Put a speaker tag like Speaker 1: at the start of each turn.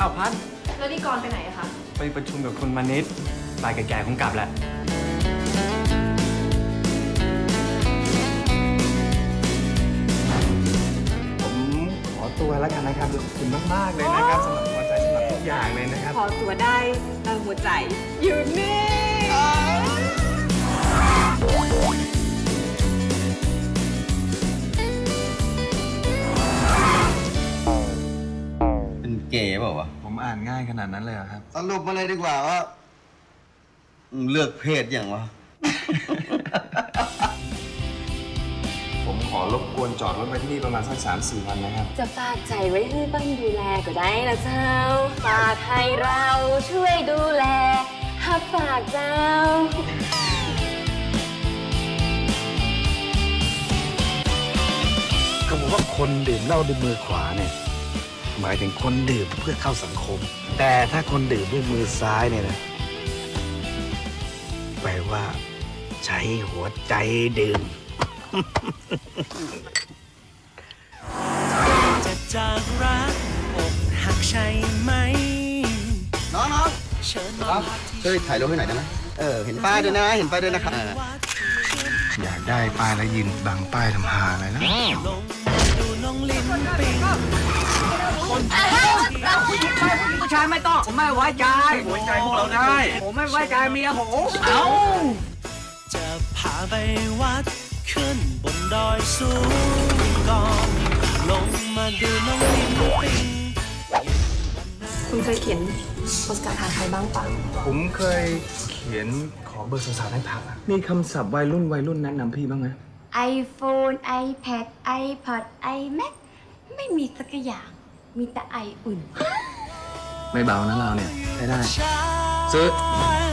Speaker 1: อ้าวพัน
Speaker 2: แล้วนี่กรไปไหนอะคะ
Speaker 1: ไปประชุมกับคุณมานิดบ่ายแก่ๆคงกลับแหละผมขอตัวแล้วกันนะครับขอบคุณมากๆเลยนะครับสำหรับหัวใจสำหรับทุกอย่างเลยนะครับ
Speaker 2: ขอตัวได้แต่หัวใจอยู่นี่
Speaker 3: เป็นเก๋เปล่าวะ
Speaker 1: ผมอ่านง่ายขนาดนั้นเลยครับ
Speaker 3: สรุปมาเลยดีกว่าว่าเลือกเพศอย่างวะ
Speaker 1: ผมขอรบกวนจอดรถไว้ที่นี่ประมาณสัก3-4 วันนะครับ
Speaker 4: จะฝากใจไว้ให้บ้างดูแลก็ได้ละเจ้าฝากให้เราช่วยดูแลหักฝากเจ้า
Speaker 5: ก็บอกว่าคนดื่มเหล้าด้วยมือขวาเนี่ยหมายถึงคนดื่มเพื่อเข้าสังคมแต่ถ้าคนดื่มด้วยมือซ้ายเนี่ยนะแปลว่าใช้หัวใจดื่ม
Speaker 6: จะจากรักอกหักใช่ไหม
Speaker 3: น้องๆช่วยถ่ายรูปให้หน่อยได้ไหมเห็นป้ายด้วยนะเห็นป้ายด้วยนะครับ
Speaker 5: อยากได้ป้ายแล้วยืนบังป้ายทำหาอะไรนะ
Speaker 6: ดูน้องลิ้นปิง
Speaker 7: ผู้ชายไม่ต้องผมไม่ไว้ใจไว้ใจพวกเราได้ผมไม่ไว้ใจเมียผมเอา
Speaker 6: จะพาไปวัดขึ้นบนดอยสูงก่อนลงมาดูน้องลิ้นปิง
Speaker 2: คุณเคยเขียนโพสต์การ์ดหาใครบ้างปะ
Speaker 1: ผมเคยเขียนขอเบอร์สาวๆให้พักมีคำศัพท์วัยรุ่นแนะนำพี่บ้างไหม
Speaker 4: iPhone iPad iPod iMac ไม่มีสักอย่างมีแต่ไออุ่น
Speaker 1: ไม่เบานะเราเนี่ยใช้ได้ซื้อ